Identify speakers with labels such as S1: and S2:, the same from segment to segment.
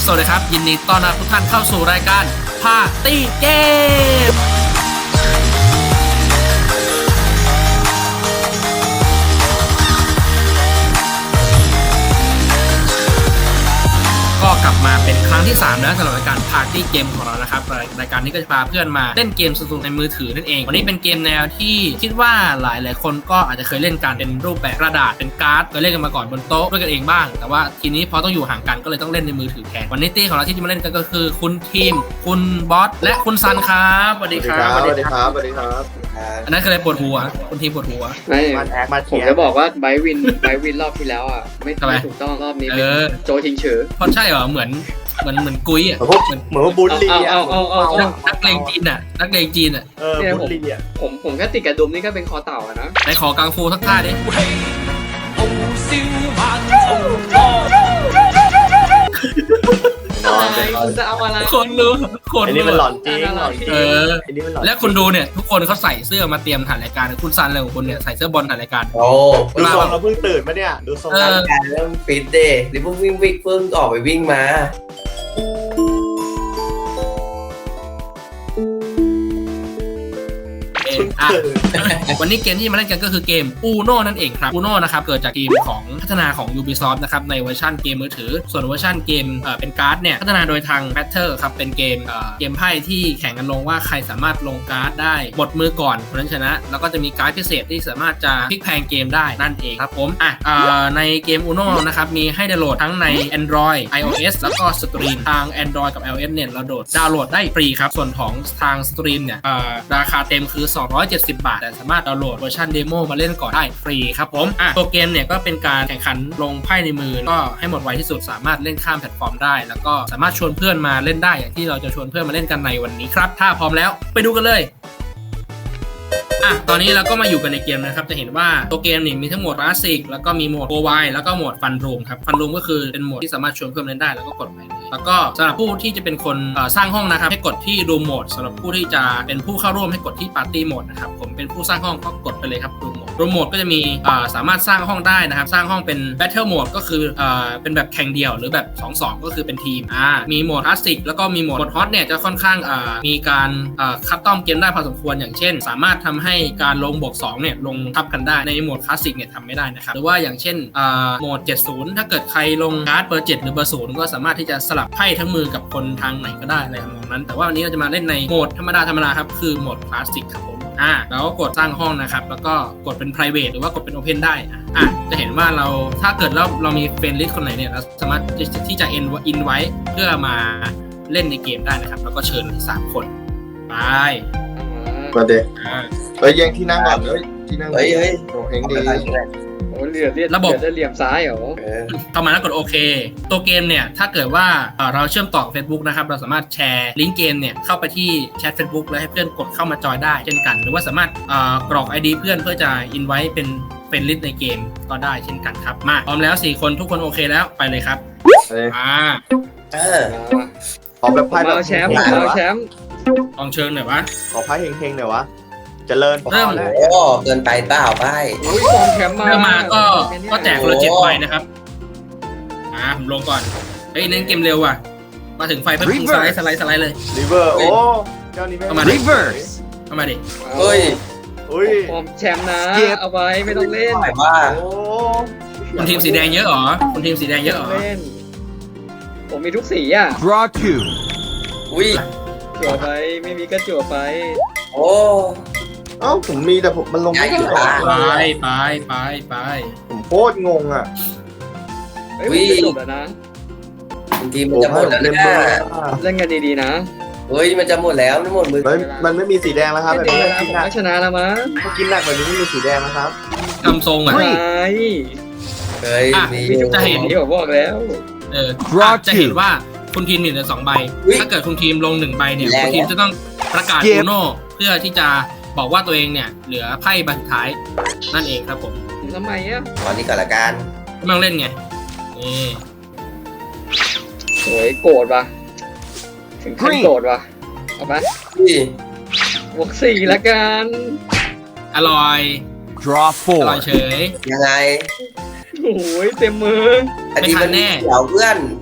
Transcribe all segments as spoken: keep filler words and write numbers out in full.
S1: สวัสดีครับยินดีต้อนรับทุกท่านเข้าสู่รายการพาร์ตี้เกมก็กลับมาเป็นครั้งที่สามแล้วสำหรับรายการพาร์ตี้เกมของเรานะครับรายการนี้ก็จะพาเพื่อนมาเล่นเกมสนุกในมือถือนั่นเองวันนี้เป็นเกมแนวที่คิดว่าหลายหลายคนก็อาจจะเคยเล่นกันเป็นรูปแบบกระดาษเป็นการ์ดเคยเล่นกันมาก่อนบนโต๊ะด้วยกันเองบ้างแต่ว่าทีนี้พอต้องอยู่ห่างกันก็เลยต้องเล่นในมือถือแทนวันนี้ตี้ของเราที่จะมาเล่นกันก็คือคุณทีมคุณบอสและคุณซันครับสวัสดีครับ
S2: สวัสดีครับสวัสดีครับ
S1: อันนั้นคืออะไรปวดหัวคุณทีมปวดหัว
S3: ไม่
S2: มาแอคมา
S3: ผ
S2: เที
S3: ม
S2: ย
S3: จะบอกว่าไบวินไบวินรอบที่แล้วอ่ะไม่
S1: ทำไม
S3: ไม่ถูกต้องรอบนี้
S1: เอ
S3: เป็น
S1: อ
S3: โจชิงเฉอ
S1: เพราะใช่เหรอเหมือนเหมือนเหมือนกุ้ยอ่ะ
S2: เหมือนพวกเหมือนว่าบุลลี่อ่ะ
S3: เอาเอาเอาเอา
S1: นักเลงจีนอ่ะนักเลงจีนอ่ะ
S2: เออบุลลี่อ่ะ
S3: ผมผมแค่ติดกระดุมนี่ก็เป็นคอเต่าอะนะ
S1: ไหนขอกังฟูสักท่าดิ
S3: อะไรคุณจะเอาอะไร
S1: คนรู้คน
S2: อัน
S1: รู้
S2: นี้มันหลอนจริงหลอนจริง
S1: เออ
S2: อันนี้มันหลอน
S1: และคุณดูเนี่ยทุกคนเขาใส่เสื้อมาเตรียมถ่ายรายการคุณซันอะไรของคุณเนี่ยใส่เสื้อบอลถ่ายรายการ
S4: โอ้
S2: ดูทรงเราเพิ่งตื่นมาเนี่ยดูทรง
S1: เออ
S4: การเริ่มฟิตเดย์หรือเพิ่งวิ่งวิ่งเพิ่งออกไปวิ่งมา
S1: เองอ่ะ วันนี้เกมที่มาเล่นกันก็คือเกม Uno นั่นเองครับ Uno นะครับเกิดจากทีมของพัฒนาของ Ubisoft นะครับในเวอร์ชันเกมมือถือส่วนเวอร์ชันเกมเอ่อเป็นการ์ดเนี่ยพัฒนาโดยทาง Battle ครับเป็นเกมเอ่อเกมไพ่ที่แข่งกันลงว่าใครสามารถลงการ์ดได้หมดมือก่อนคนนั้นชนะแล้วก็จะมีการ์ดพิเศษที่สามารถจะพลิกแพลงเกมได้นั่นเองครับผมอ่ะเอ่อในเกม Uno นะครับมีให้ดาวน์โหลดทั้งใน Android iOS แล้วก็สตรีมทาง Android กับ iOS เนี่ยเราโหลดดาวน์โหลดได้ฟรีครับส่วนของทางสตรีมเนี่ยเอ่อราคาเต็มคือสองร้อยเจ็ดสิบบาทแต่สามารถดาวน์โหลดเวอร์ชันเดโมมาเล่นก่อนได้ฟรีครับผมอ่ะตัวเกมเนี่ยก็เป็นการแข่งขันลงไพ่ในมือก็ให้หมดไวที่สุดสามารถเล่นข้ามแพลตฟอร์มได้แล้วก็สามารถชวนเพื่อนมาเล่นได้อย่างที่เราจะชวนเพื่อนมาเล่นกันในวันนี้ครับถ้าพร้อมแล้วไปดูกันเลยอ่ะตอนนี้เราก็มาอยู่กันในเกมนะครับจะเห็นว่าตัวเกมนี่มีทั้งโหมดคลาสสิกแล้วก็มีโหมดโกไวแล้วก็โหมดฟันรูมครับฟันรูมก็คือเป็นโหมดที่สามารถชวนเพื่อนเล่นได้แล้วก็กดไปเลยแล้วก็สำหรับผู้ที่จะเป็นคนเอ่อสร้างห้องนะครับให้กดที่รูมโหมดสำหรับผู้ที่จะเป็นผู้เข้าร่วมให้กดที่ปาร์ตี้โหมดนะครับผมเป็นผู้สร้างห้องก็กดไปเลยครับรูมโหมดรูมโหมดก็จะมีเอ่อสามารถสร้างห้องได้นะครับสร้างห้องเป็นแบทเทิลโหมดก็คือเอ่อเป็นแบบแข่งเดี่ยวหรือแบบ สองสอง ก็คือเป็นทีมอ่ามีโหมดคลาสสิกแล้วก็มีโหมดฮอตเนี่ยจะค่อนข้างเอ่อมีการเอ่อคัสตอมเกมได้พอสมควรอย่างเช่น สามารถทำให้การลงบวกสองเนี่ยลงทับกันได้ในโหมดคลาสสิกเนี่ยทำไม่ได้นะครับหรือว่าอย่างเช่นเอ่อโหมดเจ็ดสิบถ้าเกิดใครลงการ์ดเบอร์เจ็ดหรือเบอร์ศูนย์ก็สามารถที่จะสลับไพ่ทั้งมือกับคนทางไหนก็ได้อะไรทำนองนั้นแต่ว่าวันนี้เราจะมาเล่นในโหมดธรรมดาธรรมดาครับคือโหมดคลาสสิกครับผมอ่าแล้วก็กดสร้างห้องนะครับแล้วก็กดเป็น private หรือว่ากดเป็น open ได้อ่ะอ่ะจะเห็นว่าเราถ้าเกิดเราเรามีเฟรนด์ลิสต์คนไหนเนี่ยเราสามารถที่จะ in ไว้เพื่อมาเล่นในเกมได้นะครับแล้วก็เชิญสามคนไป
S2: มาเด็ก
S1: อ่า
S2: เฮ้ยแย่งที่นั่งก่อนเฮ้ยที่นั่ง
S4: เฮ้ยเฮ้ย
S2: โอ้เฮงดี
S3: โอ้เหลือเลียด
S1: ระบบ
S3: เหลือเหลี่ยมซ้ายเหรอ
S4: เออ
S1: เข้ามาแล้วกดโอเคตัวเกมเนี่ยถ้าเกิดว่าเอ่อเราเชื่อมต่อ Facebook นะครับเราสามารถแชร์ลิงก์เกมเนี่ยเข้าไปที่แชท Facebook แล้วให้เพื่อนกดเข้ามาจอยได้เช่นกันหรือว่าสามารถเอ่อกรอก ไอ ดี เพื่อนเพื่อจะอินไว้เป็นเป็นลิสต์ในเกมก็ได้เช่นกันครับมาพร้อมแล้วสี่คนทุกคนโอเคแล้วไปเลยครับ
S2: เฮ้ย
S1: อ่า
S4: เออ
S2: ขอแบบไพ่แบบ
S3: เอาแชมป์เอาแชมป์
S1: ลองเชิญหน่อยวะ
S2: ขอไพ่เฮงๆหน่อยวะเจริญ
S1: เริ่ม
S2: แล้ว
S4: โอ้เกินไปเปล่าไป
S3: โอ้ยกองแชมป์มา
S1: เริ่มมาก็ก็แจกคนละ
S4: โอ้
S1: เจ็ดใบนะครับอ่าผมลงก่อนเฮ้ยเน้นเกมเร็วว่ะมาถึงไฟเพิ่มสไลด์สไลด์สไลด์เลย
S2: ริเวอร์โอ้เจ้านี้ไม่
S1: เอามาดิ เข้ามาดิ
S4: เฮ้ย
S2: อุ้ย
S3: ผมแชมป์นะเอาไว้ไม่ต้องเล่น
S4: หมายว่า
S2: โอ้
S1: คุณทีมสีแดงเยอะเหรอคุณทีมสีแดงเยอะเหรอ
S3: ไม่ต้องเล่นผมมีทุกสีอ่ะ
S5: Draw two.
S4: อุ้ย
S3: จั่วไปไม่มีก็จั่วไป
S4: โอ้
S2: เอ้าผมมีแต่ผมมันลงไม่ได้
S4: ใหญ่
S1: ไป
S4: มาก
S1: ไปไปไป
S2: ผมโคตรงงอ่ะ
S3: เฮ้ยผมจะจบแล้วนะ
S4: บางทีมันจะหมดแล้ว
S2: เล่น
S4: นะ
S2: เบอร์
S3: เล่นกันดีๆนะ
S4: เฮ้ยมันจะหมดแล้วมันหมดมือ
S2: เฮ้ยมันไม่มีสีแดงแล้วครับ
S3: ไม่
S2: แบบ
S3: ดี
S2: นี้
S3: นะ
S2: กิ
S3: ผ
S2: น
S3: ม
S2: หนัก
S3: ก็ชนะแล้วมั้ง
S2: ถ้ากินหนักแบบนี้ไม่มีสีแดงนะครับ
S1: ทำทรงอ่ะ
S3: อะไร
S4: เฮ้ย
S1: อ่ะ
S4: มี
S3: มีทุก
S1: จะ
S3: สี
S1: เห็น
S3: ที่ผมบอกแล้ว
S1: เออ
S5: Draw
S1: จะเห็นว่าคุณทีมมีเหลือสองใบ ถ้าเกิดคุณทีมลงหนึ่งใบเนี่ยคุณทีมจะต้องประกาศ
S5: Skip
S1: อูโน่เพื่อที่จะบอกว่าตัวเองเนี่ยเหลือไพ่ใบสุดท้ายนั่นเองครับผม
S3: ทำไมอ่ะ
S4: ตอนนี้ก่อนละกัน
S1: ไม่ต้องเล่นไงนี่
S3: โอ้ยโกรธว่ะถึงขั้นโกรธว่ะเอาไป
S4: อุ้ย
S3: บวกสี่ละกัน
S1: อร่อย
S5: Draw
S1: อร่อย
S5: four.
S1: เฉย
S4: ยังไง
S3: โอ้ยเต็มมือ
S4: อันนี้
S1: ไม่ทั
S4: มัน น
S1: แน่
S4: เดี๋ยวเพื่อน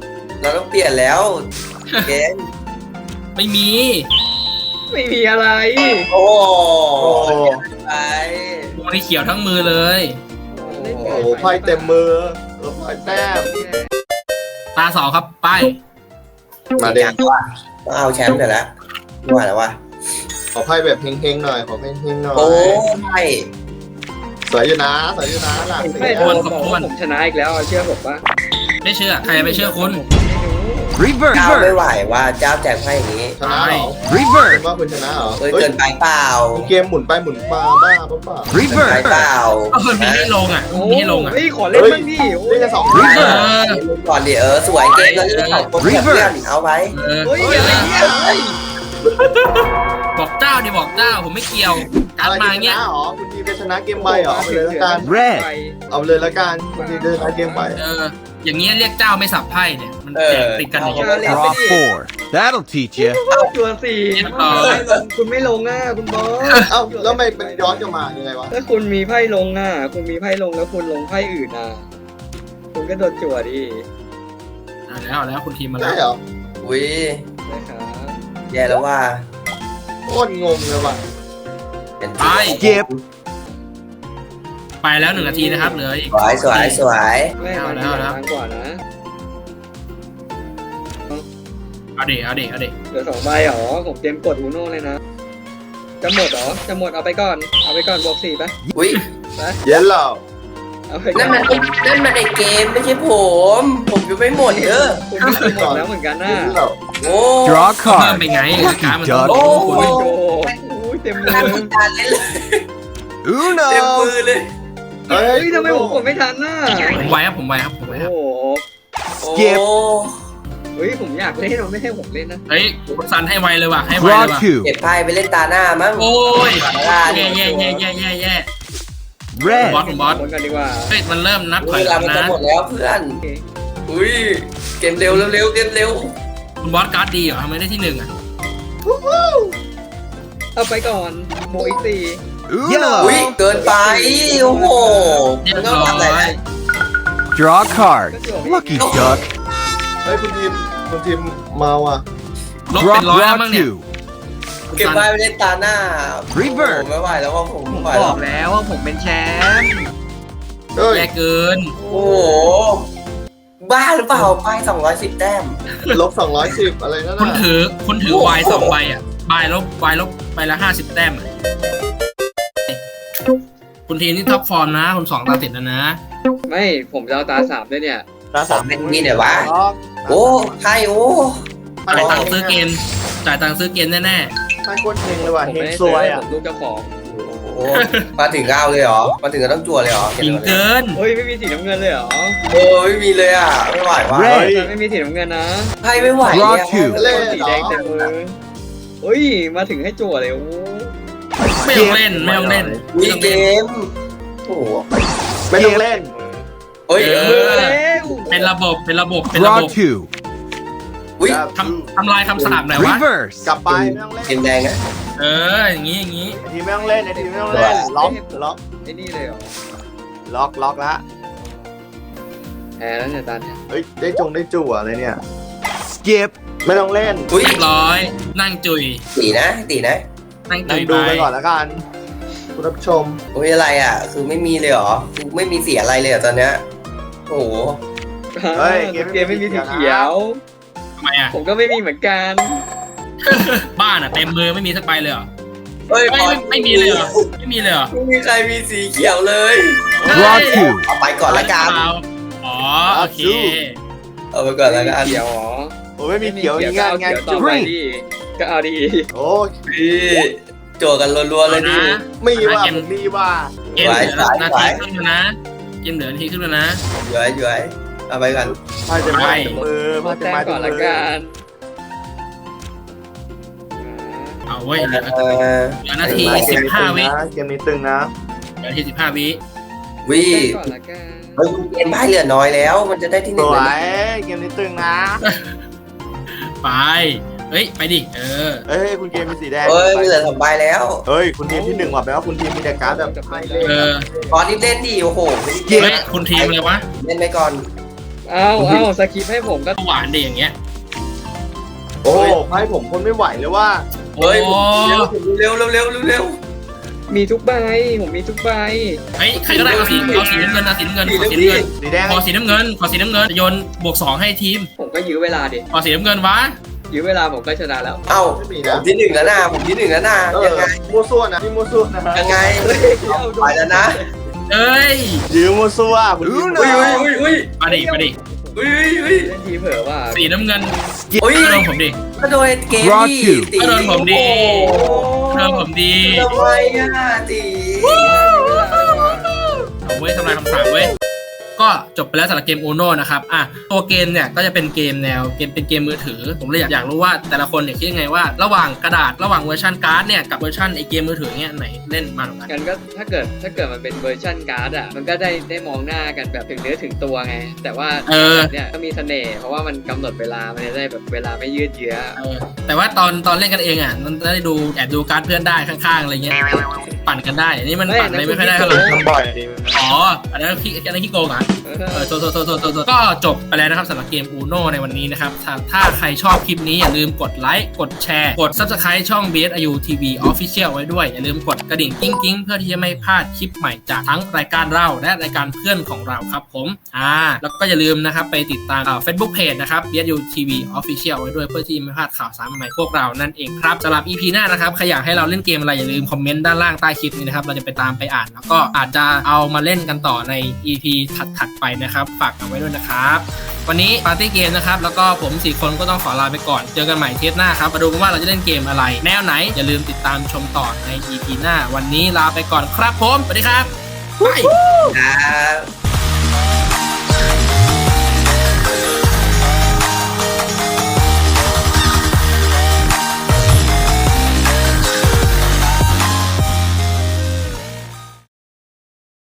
S4: เราต้องเปลี่ยนแล้วเกม
S1: ไม่มี
S3: ไม่มีอะไร
S4: โอ้
S2: โอ้โห
S4: ไป
S1: วงนี้เขียวทั้งมือเลย
S2: โอ้โหไพ่เต็มมือเออไพ่แต้ม
S1: ตาสองครับไป
S2: มาเด็ก
S4: ว่าต้องเอาแชมป์เดี๋ยวละไม่ไหวแล้ววะ
S2: ขอไพ่แบบเฮงๆหน่อยขอเฮงๆหน่อย
S4: โอ้ไม่
S2: สวยอยู่นะสวยอยู่นะหลังสี
S3: ไม่
S2: แด
S3: โด
S2: ง
S3: นบอกว่าผมชนะอีกแล้วเชื่อผมปะ
S1: ไม่เชื่อใครจะไปเชื่อคุณ
S3: ไม่รู้
S4: เจ้าไม่
S5: Reverse.
S4: ไหวว่าเจ้าแจกไพ่อย่างนี้
S2: ชนะเหรอ
S5: Reverse.
S2: ว่าคุณชนะเหรอ
S4: เอ้ย
S2: เฮ้ย
S4: เกินไปเปล่า
S2: เกมหมุนไปหมุนมาบ้าเปล่า
S4: เกินไป
S5: Reverse.
S4: เปล่า
S1: ก็มันมีให้ลงอ่ะ
S3: โอ้
S1: มีให้ลงอ่ะ
S3: เฮ้ยขอเล่นบ้างดิโอ้
S2: นี่
S3: ย
S2: จะสอง
S1: เอ
S2: ไพ่
S1: อ
S4: เล่นก่อนดิเออสวยเกมแล้วเล่นสองคนเพื่อนเอาไว้
S1: เออ
S3: เฮ้ยอะไรเนี่ยเฮ้ย
S1: บอกเจ้าดิบอกเจ้าผมไม่เกี่ยวการ
S2: อะไร
S1: มา
S2: จะช
S1: เงี้ย
S2: นะเหรอคุณทีมจะชนะเกมใบเหรอเอาไปเลยละกัน
S5: Red
S2: เอาไปเลยละกันคุณทีมจะชนะเกมใบ
S1: เอออย่างเงี้ยเรียกเจ้าไม่สับไพ่เนี่ยมันแจกติดกันอย่างเงี้ย
S5: Draw four. That'll teach you.
S3: ตัวสี่คุณไม่ลงอ่ะคุณบอส
S2: เอ้าแล้วทำไมเป็นย้อนกลับมายังไงวะ
S3: ถ้าคุณมีไพ่ลงอ่ะคุณมีไพ่ลงแล้วคุณลงไพ่อื่นอ่ะคุณก็โดนจั่วดิ
S1: เอาแล้วเอาแล้วคุณทีมมาแล้
S2: ใช่
S1: ว
S2: เหรอ
S4: อุ้ย
S3: นะครับ
S4: แย่แล้วว่า
S2: โคตรงงเลยว่ะ
S4: เป็น
S1: ไป
S5: Skip.
S1: ไปแล้วหนึ่งนาทีนะครับเหลืออีก
S4: สวยสวยสวย
S3: แม่มาดีกว่านะ
S1: เอาเด็เอาเด็เอาเด็
S3: เหลือสองใบเหรอผมเตรียมกดอูโน่เลยนะจะหมดเหรอจะหมดเอาไปก่อนเอาไปก่อนบวกสี่ปะ
S4: อุ้ย
S2: เย็นเหรอ
S3: เอาไปก่
S4: นั่
S3: อน น
S4: มันนั่นมันในเกมไม่ใช่ผม ผมยังไม่หมดเออ
S3: คุณก็คือหมดแล้วเหมือนกันนะ
S2: เย็นเหรอ
S4: โอ้
S5: Draw a
S1: เพิ่ม
S5: card.
S1: ไปไงการมัน
S5: Duck
S1: โอ้
S3: โอ้
S1: โห
S3: ยโอ้ยเต็มมื
S4: ทาง
S3: อ
S4: คุณการเล่นเลยเต็ม
S5: Uno.
S4: มือเลย
S2: เฮ้
S3: เฮ้ยทำไมผมกดไม่ทันน่ะ
S1: ผมไวครับผมไวครับผมไว
S3: โอ้
S1: ครับ
S3: โห
S4: โอ้
S5: Skip
S3: เฮ้ยผมอยากเล่นมันไม่ให้ผมเล่นนะ
S1: เฮ้ยคุณซันให้ไวเลยว่ะให้ไวเลย
S5: Draw
S1: ว่ะ
S5: two.
S4: เก็บไพ่ไปเล่นตาหน้ามั้ง
S1: โอ้ย
S4: ตาหน้า
S1: แย่แย่แย่แย่แย่แย่
S5: Red.
S1: บอสผมบอส
S3: คนกันดีกว่า
S1: เฮ้ยมันเริ่มนับถ
S4: เว
S1: อยห
S4: ลา
S1: ลัง
S4: มัน
S1: นะ
S4: จะหมดแล้วเพื่อน อุ้ย เกมเร็วเร็วเกมเร็ว
S1: คุณบอสการ์ดดีเหรอทำไมได้ที่หนึ่งอ่ะ
S3: เอาไปก่อนโมอีกสี่
S4: อุ้ย
S5: Uno.
S4: เกินไป โอ้โห
S1: เรีย
S4: มั
S1: บ
S4: นต้อง
S1: ร้อ
S4: ทำอะไร
S1: ย
S4: นะ
S5: Draw a card. Lucky duck.
S2: เฮ้ยคุณทีมคุณทีมเมาอ่ะ
S1: ลบ
S5: Draw
S1: เป็นร้อยแล้ว
S5: draw
S1: มั้งเนี่ย
S5: two.
S1: คุณ
S4: เก็บ
S1: ซัน
S4: ไพ่ไปเล่นตาหน้า
S5: Reverse
S4: โอ้โหไม่ไหวแล้วว่าผม
S3: ผม
S4: ไม่ไหว
S3: บ
S4: แล้
S3: อ
S4: ว
S3: กแล้วว่าผมเป็นแชมป์
S2: เฮ้ย
S1: แย่เกิน
S4: โอ้โห บ้าหรือเปล่าไพ่สองร้อยสิบแต้ม
S2: ลบสองร้อยสิบอะไรนั่น
S1: คุณ
S2: น่ะ
S1: ถือคุณถือวายสองใบอ่ะใบลบวายลบใบละห้าสิบแต้มอะคุณทีมนี่ท็อปฟอร์มนะคุณสองตาติดแล้วนะ
S3: ไม่ผมจะเอาตาสามด้วยเนี่ย
S2: ตาสาม
S4: เป็นนี่เนี่ยวะ
S2: ล็อก
S4: โอ้ไพ่โอ้
S1: จ่ายตังค์ซื้อเกมจ่ายตังค์ซื้อเกมแน่
S2: ไพ่โคตรเฮงเลยว่ะ
S3: ผม
S2: เฮง
S3: ไม่ได้
S2: ซวยอ่ะ
S3: ผมลูกเจ้าของ
S4: โหมาถึงก็เอาเลยเหรอ มาถึงก็ต้องจั่วเลยเหรอ
S1: ๆจริงเกิน
S3: เฮ้ยไม่มีสีน้ำเงินเลยเหรอ
S4: โอ้ไม่มีเลยอ่ะ ไม่ไหวว่ะ
S5: Red
S3: ไม่มีสีน้ำเงินนะ
S4: ไพ่ไม่ไหว
S5: Draw
S4: เนี่ย
S5: two
S2: เล่น
S3: สี
S2: เหร
S3: แด
S2: อง
S3: เต็มมือเฮ้ยมาถึงให้จั่วเลยโอ้
S1: ไม่ต้องเล่นไม่ต้องเล่น
S4: มี
S1: ไม่ต้อง
S4: เก
S1: เล่น
S4: ม โอ้โห
S2: ไม่ต้องเล่น
S4: เฮ้ย
S1: เอ
S4: เอ
S1: อ
S4: อ
S1: เป็นระบบเป็นระบบเป็นระ
S5: Draw
S1: บบ
S5: two.
S4: อุ้ย
S1: ทำทำลายคำสาปหน่อยวะ
S5: Reverse.
S2: กลับไปไม่ต้องเล่น
S4: เกมแดงนะ
S1: เอออย่างนี้อย่างนี้
S2: ไอ้ทีมไม่ต้องเล่นไอ้ทีมไม่ต้องเล่นล็อกล็อก
S3: ไอ้นี่เลยเหรอ
S2: ล็อกล็อกละ
S3: แพ้แล้วเนี่ยตอนเนี้ย
S2: เฮ้ยได้จงได้จั่วอะไรเนี่ย
S5: Skip.
S2: ไม่ต้องเล่น
S4: อุ้ย
S1: เรียบร้อย นั่งจุย
S4: ตีนะตีนะ
S1: นั่ง
S2: นั่
S1: จุ
S2: ง
S1: ย
S2: ดู
S1: ไป
S2: ไปก่อนแล้วกันคุณผู้ชม
S4: โอ้ยอะไรอ่ะ คือไม่มีเลยเหรอคือไม่มีเสียอะไรเลยเหรอตอนเนี้ย โอ้โห
S2: เฮ้ย
S3: เกมไม่มีสีเขียว
S1: ทำไมอ่ะ
S3: ผมก็ไม่มีเหมือนกัน
S1: บ้านอ่ะเต็มมือไม่มีสักใบเลยเหรอ
S4: เฮ้ย
S1: ไม่ไม่ไม่มีเลยเหรอไม่มีเลยเหรอ
S4: ไม่มีใครมีสีเขียวเลย
S5: Draw two.
S4: เอาไปก่อนละกัน
S1: อ๋อโอเค
S4: เอาไปก่อนละกัน
S3: เขียวเหรอ
S2: โอ้ไม่มีเขียวอย่างงานงาน
S3: ต่อ
S2: จุ่
S3: ไปดิก็เอาดี
S2: โอ้
S4: พี่โจกันรัวๆเลยดิ
S1: นะ
S2: มีว่าผมมีว่า
S1: เกมเหลือนาทีครึ่งแล้วนะเกมเหลือนาทีครึ่งแล้วนะ
S4: ย้อยย้อยเอาไปกัน
S2: พายจะมามือ
S3: มา
S2: พายจะ
S3: แต้ม
S2: มา
S3: ก่อนละกัน
S1: เอาเว้ยเหลือ
S4: เออ
S1: เหลือนาทีสิบห้าวิ
S2: เกมนี้ตึงนะ
S1: เหลือนาทีสิบห้าวิ
S4: วิ
S3: แต้มก่อนละกัน
S4: เฮ้ยเกมไพ่เหลือน้อยแล้ว มันจะได้ที่ห
S2: ส
S4: นึ่ง
S2: ว
S4: เลย
S2: ยเกมนี้ตึงนะ
S1: ไปเฮ้ยไปดิเออ
S2: เอ้ยคุณเกมมีสีแดง
S4: เฮ้ยเหลือสองใบแล้ว
S2: เฮ้ยคุณทีมที่หนึ่งว่ะแปลว่าคุณทีมมีแต่การ์ดแบบไพ่เล่น
S1: เออ
S4: ตอนนี้เล่นดิโอ้โหไม่ได้เก
S1: เฮ้
S4: ม
S1: ยคุณทีมเลยวะ
S4: เล่นไปก่อน
S3: เอาเอาสคริปต์ให้ผมก็
S1: หวานดีอย่างเงี้ย
S2: โอ้ไพ่ผมคนไม่ไหวเลยว่า
S1: โอ้
S4: เฮ้ยเร็วเร็วเร็วเร็วเร็ว
S3: มีทุกใบผมมีทุกใบ
S1: เฮ้ยใครก็ได้เอาสีเอาสีน้ำเงินเอาสีน้ำเงินขอสีน้ำเงิน
S2: สีแดง
S1: ขอสีน้ำเงินขอสีน้ำเงินโยนบวกสองให้ทีม
S3: ผมก็ยื้อเวลาดิ
S1: ขอสีน้ำเงินวะ
S3: ยื้อเวลาผมก็ชนะแล้ว
S4: เอ้า
S2: ไม่มี
S4: ผ
S2: นะ
S4: มที่หนึ่งแล้วนะผมที่หนึ่งแล้วนะ
S2: เออ
S4: ยังไง
S2: มัวซั่วนะพี่มัวซั่วนะ
S4: ยังไงไปแล้วนะ
S1: เอ้ย
S2: ยืมมัวซั่วคุณยืม
S4: อุ้ยอุ้ยอุ้ย
S1: มาดิมาดิ
S4: อุ้ยอุ้ยอุ้ย
S3: เล่นทีเผลอว่า
S1: สีน้ำเงิน
S4: อุ้ย
S1: ก็โดนผมดิ
S4: ก็โดนเกมที่ตี
S1: ก็โดนผมดิก็โดนผมดี
S4: ทำไมอ่ะตี
S1: เอาเว้ยทำลายคำสาปเว้ยก็จบไปแล้วสำหรับเกม Uno นะครับอ่ะตัวเกมเนี่ยก็จะเป็นเกมแนวเกมเป็นเกมมือถือผมเลยอยากอยากรู้ว่าแต่ละคนเนี่ยคิดยังไงว่าระหว่างกระดาษระหว่างเวอร์ชันการ์ดเนี่ยกับเวอร์ชันไอเกมมือถือเนี่ยไหนเล่นมันกว่ากัน
S3: กันก็ถ้าเกิดถ้าเกิดมันเป็นเวอร์ชันการ์ดอ่ะมันก็ได้ได้มองหน้ากันแบบถึงเนื้อถึงตัวไง แต่ว่า
S1: เออ
S3: เนี่ยก็มีเสน่ห์เพราะว่ามันกำหนดเวลามันจะได้แบบเวลาไม่ยืดเยื้อ
S1: เออแต่ว่าตอนตอนเล่นกันเองอ่ะมันได้ดูแอบดูการ์ดเพื่อนได้ข้างๆอะไรเงี้ยปั่นกันได้อันนี้มันปั่นอะไรไม่ค่อยได้เท่าไหร่
S2: ทำบ่อยดี
S1: อ๋ออันนั้นขี้อันนั้นขี้โกงอ่ะ
S3: เอ
S1: เอ
S3: อ
S1: อโทษโทษโทษโทษโทษก็จบไปแล้วนะครับสำหรับเกม Uno ในวันนี้นะครับถ้าถ้าใครชอบคลิปนี้อย่าลืมกดไลค์กดแชร์กด Subscribe ช่อง บี เอส ไอ ยู ที วี Official ไว้ด้วยอย่าลืมกดกระดิ่งกิ้งกิ้งเพื่อที่จะไม่พลาดคลิปใหม่จากทั้งรายการเราและรายการเพื่อนของเราครับผมอ่าแล้วก็อย่าลืมนะครับไปติดตามเฟซบุ๊กเพจนะครับ บี เอส ยู ที วี Official ไว้ด้วยเพื่อที่ไม่พลาดข่าวสารใหม่ๆพวกเรานั่นเองครับสำหรับ อี พี หน้านะครับใครอยากให้เราเล่นเกมอะไรอย่าลืมคอมเมนต์ด้านล่างใต้คลิปนี้นะครับเราจะไปตามไปอ่านแล้วก็อาจจะเอามาเล่นกันต่อใน อี พี ถัดๆไปนะครับฝากเอาไว้ด้วยนะครับวันนี้ปาร์ตี้เกมนะครับแล้วก็ผมสี่คนก็ต้องขอลาไปก่อนเจอกันใหม่เทปหน้าครับมาดูกันว่าเราจะเล่นเกมอะไรแนวไหนอย่าลืมติดตามชมต่อใน อี พี หน้าวันนี้ลาไปก่อนครับผมสวัสดีครับบาย
S4: ครับ